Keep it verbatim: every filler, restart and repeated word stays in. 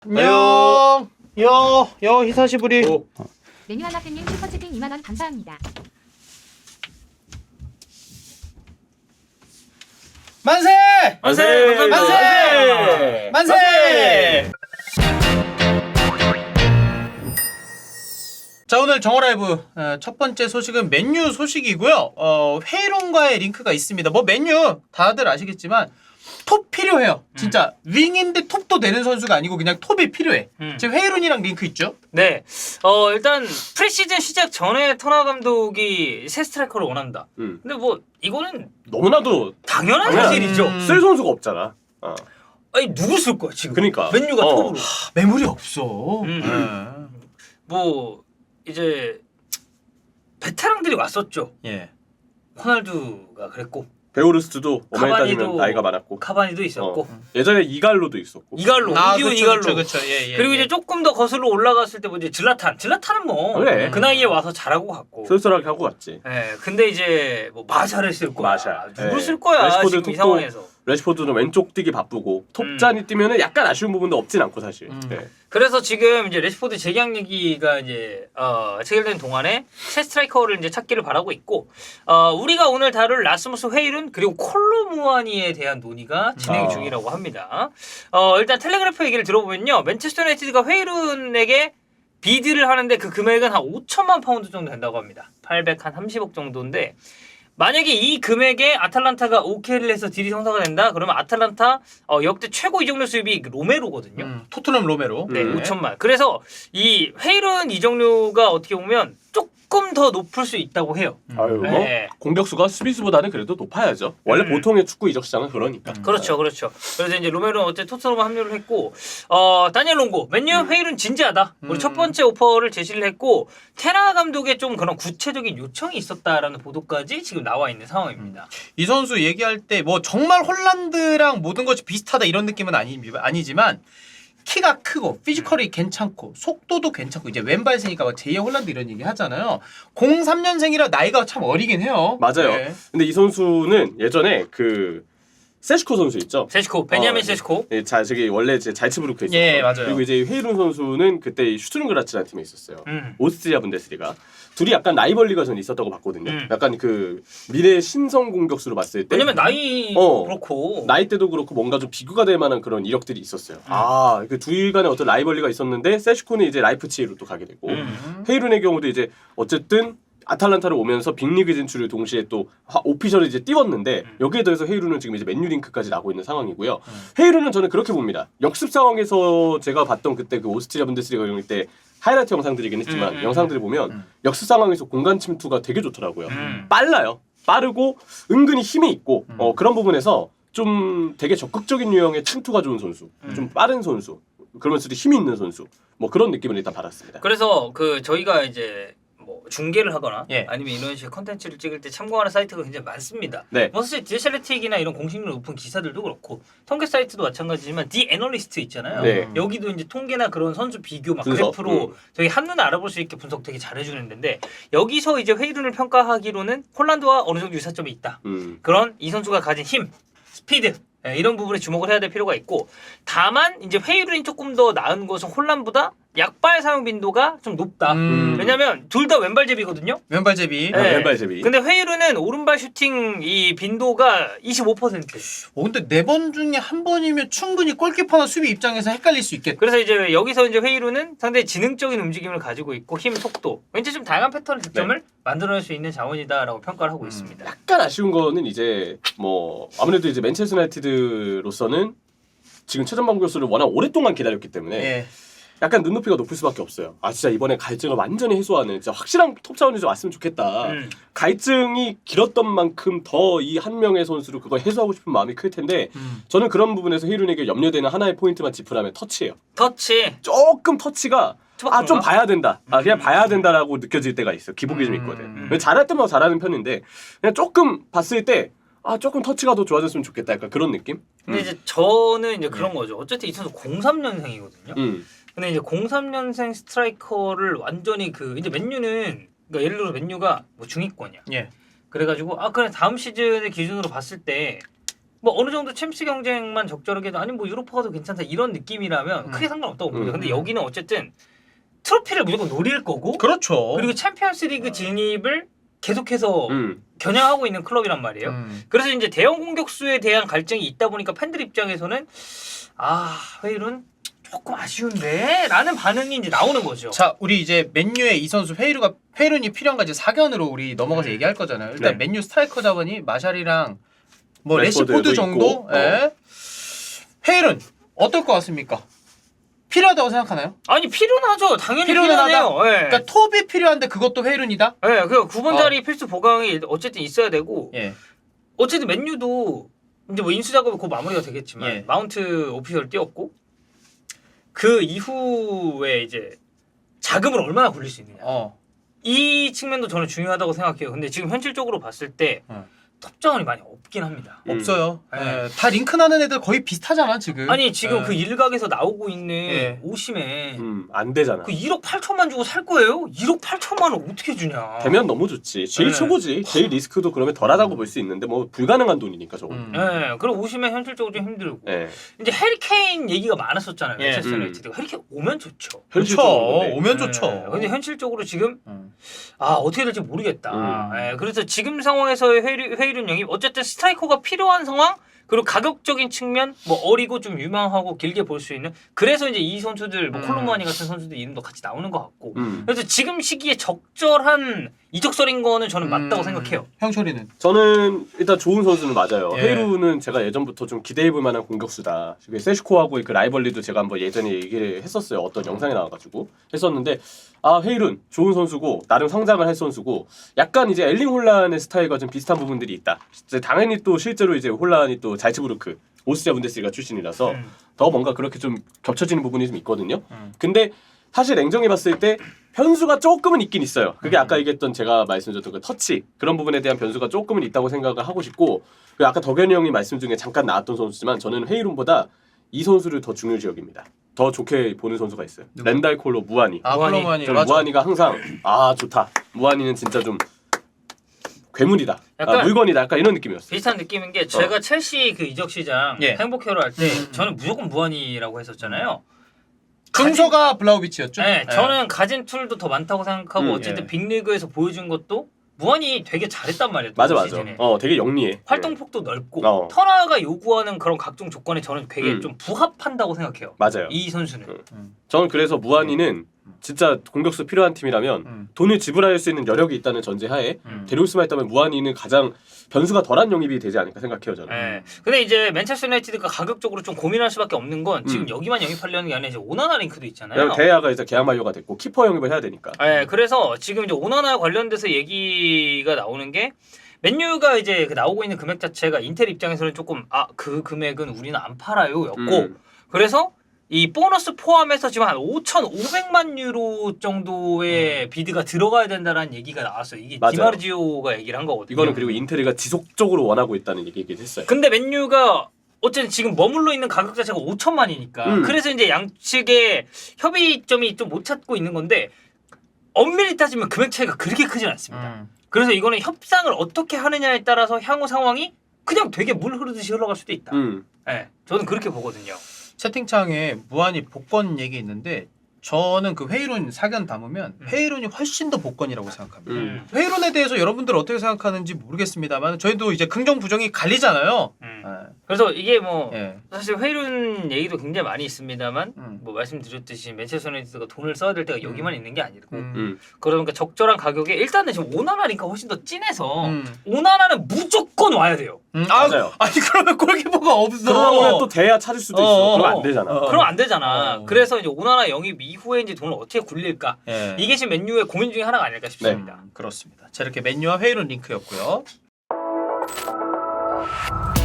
안녕. 여, 여 히사시부리. 오. 메뉴 하나 팬님 슈퍼채팅 이만 원 감사합니다. 만세! 만세! 만세! 만세! 자, 오늘 정어라이브 어, 첫 번째 소식은 맨유 소식이고요. 어, 회의론과의 링크가 있습니다. 뭐 맨유 다들 아시겠지만 톱 필요해요. 진짜 음. 윙인데 톱도 되는 선수가 아니고 그냥 톱이 필요해. 음. 지금 회의론이랑 링크 있죠? 네. 어, 일단 프리시즌 시작 전에 터나 감독이 새 스트라이커를 원한다. 음. 근데 뭐 이거는 너무나도 당연한 당연한- 사실이죠. 음. 쓸 선수가 없잖아. 어. 아니 누구 쓸 거야 지금? 그러니까. 맨유가 어. 톱으로. 하, 매물이 없어. 음. 음. 뭐 이제 베테랑들이 왔었죠. 예. 호날두가 그랬고 베오르스트도 오만에 따지면 카바니도- 나이가 많았고 카바니도 있었고 어. 예전에 이갈로도 있었고. 이갈로, 아, 우디운 그쵸, 이갈로. 그쵸, 그쵸. 예, 예, 그리고 예. 이제 조금 더 거슬러 올라갔을 때 뭐 이제 질라탄, 질라탄은 뭐 그 그래. 나이에 와서 잘하고 갔고. 쏠쏠하게 하고 갔지. 예, 근데 이제 뭐 마샤를 쓸 거야. 마샤. 누굴 예. 쓸 거야 레시포드 지금 이 톱도- 상황에서. 레시포드는 왼쪽 뛰기 바쁘고 톱잔이 뛰면은 약간 아쉬운 부분도 없진 않고 사실. 음. 네. 그래서 지금 이제 레시포드 재계약 얘기가 이제 어, 체결된 동안에 새 스트라이커를 이제 찾기를 바라고 있고 어, 우리가 오늘 다룰 라스무스 회일은 그리고 콜로무아니에 대한 논의가 진행 아. 중이라고 합니다. 어, 일단 텔레그래프 얘기를 들어보면요, 맨체스터 유나이티드가 회일은에게 비드를 하는데 그 금액은 한 오천만 파운드 정도 된다고 합니다. 팔백삼십억 정도인데. 만약에 이 금액에 아탈란타가 오케이를 해서 딜이 성사가 된다? 그러면 아탈란타 어, 역대 최고 이적료 수입이 로메로거든요. 음, 토트넘 로메로. 네, 음. 오천만. 그래서 이 회일은 이적료가 어떻게 보면 조금 더 높을 수 있다고 해요. 아유 뭐 네. 공격수가 수비수보다는 그래도 높아야죠. 원래 음. 보통의 축구 이적 시장은 그러니까. 음. 그렇죠, 그렇죠. 그래서 이제 로메로는 어째 토트넘에 합류를 했고, 어 다니엘 롱고 맨유 회일은 진지하다. 우리 음. 첫 번째 오퍼를 제시를 했고, 테라 감독의 좀 그런 구체적인 요청이 있었다라는 보도까지 지금 나와 있는 상황입니다. 이 선수 얘기할 때 뭐 정말 홀란드랑 모든 것이 비슷하다 이런 느낌은 아니, 아니지만 키가 크고 피지컬이 괜찮고 속도도 괜찮고 이제 왼발세니까 막 제이의 홀란드 이런 얘기 하잖아요. 공삼 년생이라 나이가 참 어리긴 해요. 맞아요. 네. 근데 이 선수는 예전에 그 세시코 선수 있죠. 세시코, 베냐민 어, 세시코. 예, 자, 저기 원래 이제 잘츠부르크에 있었고, 예, 맞아요. 그리고 이제 헤이룬 선수는 그때 슈투른그라츠라는 팀에 있었어요. 음. 오스트리아 분데스리가. 둘이 약간 라이벌리가 전 있었다고 봤거든요. 음. 약간 그 미래 신성 공격수로 봤을 때 왜냐면 나이 어. 그렇고 나이 때도 그렇고 뭔가 좀 비교가 될 만한 그런 이력들이 있었어요. 음. 아, 그 둘 간에 어떤 라이벌리가 있었는데 세시코는 이제 라이프치히로 또 가게 되고 음. 헤이룬의 경우도 이제 어쨌든 아탈란타를 오면서 빅리그 진출을 동시에 또 오피셜을 이제 띄웠는데 음. 여기에 더해서 헤이룬은 지금 이제 맨유 링크까지 나고 있는 상황이고요. 헤이룬은 저는 그렇게 봅니다. 역습 상황에서 제가 봤던 그때 그 오스트리아 분데스리가 경기 때 하이라이트 영상들이긴 했지만 음, 음, 영상들을 보면 음. 역습 상황에서 공간 침투가 되게 좋더라고요. 음. 빨라요. 빠르고 은근히 힘이 있고 음. 어, 그런 부분에서 좀 되게 적극적인 유형의 침투가 좋은 선수, 음. 좀 빠른 선수, 그러면서도 힘이 있는 선수, 뭐 그런 느낌을 일단 받았습니다. 그래서 그 저희가 이제 뭐 중계를 하거나 예. 아니면 이런 식의 컨텐츠를 찍을 때 참고하는 사이트가 굉장히 많습니다. 네. 뭐 사실 디에스엘티이나 이런 공식률 높은 기사들도 그렇고 통계 사이트도 마찬가지지만 디 애널리스트 있잖아요. 네. 여기도 이제 통계나 그런 선수 비교 막 분석, 그래프로 음. 저희 한눈에 알아볼 수 있게 분석 되게 잘해주는 데인데 여기서 이제 회의론을 평가하기로는 홀란드와 어느 정도 유사점이 있다. 음. 그런 이 선수가 가진 힘, 스피드 예, 이런 부분에 주목을 해야 될 필요가 있고 다만 이제 회의론이 조금 더 나은 것은 홀란보다 약발 사용 빈도가 좀 높다. 음. 왜냐면 둘 다 왼발잡이거든요. 왼발제비. 네. 네. 왼발잡이. 근데 회의론은 오른발 슈팅 이 빈도가 이십오 퍼센트. 어, 근데 네 번 중에 한 번이면 충분히 골키퍼나 수비 입장에서 헷갈릴 수 있겠다. 그래서 이제 여기서 이제 회의론은 상당히 지능적인 움직임을 가지고 있고 힘, 속도, 왠지 좀 다양한 패턴의 득점을 네. 만들어낼 수 있는 자원이다라고 평가를 하고 있습니다. 약간 아쉬운 거는 이제 뭐 아무래도 이제 맨체스터 유나이티드로서는 지금 최전방 공격수를 워낙 오랫동안 기다렸기 때문에 예. 약간 눈높이가 높을 수밖에 없어요. 아 진짜 이번에 갈증을 완전히 해소하는 진짜 확실한 톱 차원이 좀 왔으면 좋겠다. 음. 갈증이 길었던 만큼 더 이 한 명의 선수로 그걸 해소하고 싶은 마음이 클 텐데 음. 저는 그런 부분에서 헤이룬에게 염려되는 하나의 포인트만 짚으라면 터치예요. 터치. 조금 터치가 아 좀 투박한가? 봐야 된다. 아 그냥 음. 봐야 된다라고 느껴질 때가 있어. 기복이 좀 있거든. 음. 근데 잘할 때마다 잘하는 편인데 그냥 조금 봤을 때 아 조금 터치가 더 좋아졌으면 좋겠다. 약간 그런 느낌? 근데 이제 저는 이제 그런 거죠. 어쨌든 이 선수 공삼 년생이거든요. 음. 근데 이제 공삼 년생 스트라이커를 완전히 그 이제 맨유는 그러니까 예를 들어 맨유가 뭐 중위권이야. 예. 그래가지고 아 그래 다음 시즌의 기준으로 봤을 때 뭐 어느 정도 챔스 경쟁만 적절하게 해도 아니 뭐 유로파가 더 괜찮다 이런 느낌이라면 음. 크게 상관없다고 봅니다. 음. 근데 여기는 어쨌든 트로피를 무조건 노릴 거고 그렇죠. 그리고 챔피언스리그 진입을 계속해서 음. 겨냥하고 있는 클럽이란 말이에요. 음. 그래서 이제 대형 공격수에 대한 갈증이 있다 보니까 팬들 입장에서는 아 회일은 조금 아쉬운데 라는 반응이 이제 나오는 거죠. 자, 우리 이제 맨유의 이 선수 회이루가 회이룬이 필요한가 이제 사견으로 우리 넘어가서 음. 얘기할 거잖아요. 일단 네. 맨유 스트라이커 자원이 마샬이랑 뭐 레시포드도 레시포드 정도. 있고. 예. 회이룬 어떨 것 같습니까? 필요하다고 생각하나요? 아니 필요하죠. 당연히 필요는 필요하네요. 예. 그러니까 톱이 필요한데 그것도 회이룬이다? 예, 그 구 번 자리 필수 보강이 어쨌든 있어야 되고 예. 어쨌든 맨유도 이제 뭐 인수 작업이 곧 마무리가 되겠지만 예. 마운트 오피셜 뛰었고 그 이후에 이제 자금을 얼마나 굴릴 수 있느냐. 어. 이 측면도 저는 중요하다고 생각해요. 근데 지금 현실적으로 봤을 때 어. 톱 자원이 많이 없긴 합니다. 음. 없어요. 예. 예. 다 링크 나는 애들 거의 비슷하잖아 지금. 아니 지금 예. 그 일각에서 나오고 있는 예. 오심에 음, 안 되잖아. 그 일억 팔천만 주고 살 거예요? 일억 팔천만 원 어떻게 주냐? 되면 너무 좋지. 제일 네. 최고지. 제일 리스크도 그러면 덜하다고 볼 수 있는데 뭐 불가능한 돈이니까 저거. 음. 예, 그리고 오심에 현실적으로 좀 힘들고 예. 이제 해리케인 얘기가 많았었잖아요. 예. 맨체스터 음. 유나이티드가 해리케인 오면 좋죠. 현실적으로. 좋죠. 네. 오면 예, 좋죠. 근데 현실적으로 지금 음. 아 어떻게 될지 모르겠다. 음. 예, 그래서 지금 상황에서의 회의, 회의론 영입 어쨌든 스트라이커가 필요한 상황 그리고 가격적인 측면 뭐 어리고 좀 유망하고 길게 볼 수 있는 그래서 이제 이 선수들 뭐 음. 콜로무아니 같은 선수들 이름도 같이 나오는 것 같고 음. 그래서 지금 시기에 적절한 이적설인 거는 저는 맞다고 음. 생각해요. 형철이는 저는 일단 좋은 선수는 맞아요. 예. 헤이루는 제가 예전부터 좀 기대해볼 만한 공격수다. 그 세슈코하고의 그 라이벌리도 제가 한번 예전에 얘기를 했었어요. 어떤 영상에 나와가지고 했었는데 아 헤이룬 좋은 선수고 나름 성장을 할 선수고 약간 이제 엘링 홀란의 스타일과 좀 비슷한 부분들이 있다. 이제 당연히 또 실제로 이제 홀란이 또 잘츠부르크 오스트리아 분데스리가 출신이라서 음. 더 뭔가 그렇게 좀 겹쳐지는 부분이 좀 있거든요. 음. 근데 사실 냉정히 봤을 때 변수가 조금은 있긴 있어요. 그게 음. 아까 얘기했던 제가 말씀드렸던 그 터치 그런 부분에 대한 변수가 조금은 있다고 생각을 하고 싶고 그 아까 덕현이 형이 말씀 중에 잠깐 나왔던 선수지만 저는 헤이룬보다 이 선수를 더 중요시 여깁니다. 더 좋게 보는 선수가 있어요. 누구? 렌달 콜로 무하니. 아 무한이. 콜로무아니 저는 맞아. 무하니가 항상 아 좋다. 무하니는 진짜 좀 괴물이다. 약간 아, 물건이다. 약간 이런 느낌이었어요. 비슷한 느낌인 게 제가 첼시 그 이적 시장 예. 행복회로 할 때 음. 저는 무조건 무한이라고 했었잖아요. 순서가 블라우비치였죠. 네, 예. 저는 가진 툴도 더 많다고 생각하고 음, 어쨌든 예. 빅리그에서 보여준 것도 무한이 되게 잘했단 말이에요. 맞아 또 맞아. 시즌에. 어 되게 영리해. 활동 폭도 넓고 어. 터너가 요구하는 그런 각종 조건에 저는 되게 음. 좀 부합한다고 생각해요. 맞아요. 이 선수는. 음. 저는 그래서 무한이는 진짜 공격수 필요한 팀이라면 음. 돈을 지불할 수 있는 여력이 있다는 전제하에 음. 데려올 수만 있다면 무한이는 가장 변수가 덜한 영입이 되지 않을까 생각해요 저는. 예. 근데 이제 맨체스터 유나이티드가 가격적으로 좀 고민할 수밖에 없는 건 지금 음. 여기만 영입하려는 게 아니라 이제 오나나 링크도 있잖아요. 왜냐면 대야가 이제 계약 만료가 됐고 키퍼 영입을 해야 되니까. 예, 그래서 지금 이제 오나나 관련돼서 얘기가 나오는 게 맨유가 이제 그 나오고 있는 금액 자체가 인텔 입장에서는 조금 아 그 금액은 우리는 안 팔아요였고 음. 그래서 이 보너스 포함해서 지금 한 오천오백만 유로 정도의 비드가 들어가야 된다라는 얘기가 나왔어요. 이게 맞아요. 디마르지오가 얘기를 한 거거든요. 이거는 그리고 인테리가 지속적으로 원하고 있다는 얘기를 했어요. 근데 맨유가 어쨌든 지금 머물러 있는 가격 자체가 오천만이니까 음. 그래서 이제 양측의 협의점이 좀 못 찾고 있는 건데 엄밀히 따지면 금액 차이가 그렇게 크진 않습니다. 음. 그래서 이거는 협상을 어떻게 하느냐에 따라서 향후 상황이 그냥 되게 물 흐르듯이 흘러갈 수도 있다. 음. 네, 저는 그렇게 보거든요. 채팅창에 무한히 복권 얘기 있는데 저는 그 회의론 사견 담으면 음. 회의론이 훨씬 더 복권이라고 생각합니다. 음. 회의론에 대해서 여러분들 어떻게 생각하는지 모르겠습니다만 저희도 이제 긍정 부정이 갈리잖아요. 음. 예. 그래서 이게 뭐 예. 사실 회륜 얘기도 굉장히 많이 있습니다만 음. 뭐 말씀드렸듯이 맨체스터 유나이티드가 돈을 써야 될 때가 여기만 있는 게 아니고 음. 음. 그러니까 적절한 가격에 일단은 지금 오나나니까 훨씬 더 진해서 음. 오나나는 무조건 와야 돼요. 음. 아, 맞아요. 아니 그러면 골키퍼가 없어. 그러면 또 대야 찾을 수도 있어. 어, 그러면 어, 안 되잖아. 어. 그럼 안 되잖아. 어. 그래서 이제 오나나 영입 이후에 이제 돈을 어떻게 굴릴까? 예. 이게 지금 맨유의 고민 중에 하나가 아닐까 싶습니다. 음, 그렇습니다. 자 이렇게 맨유와 회의론 링크였고요.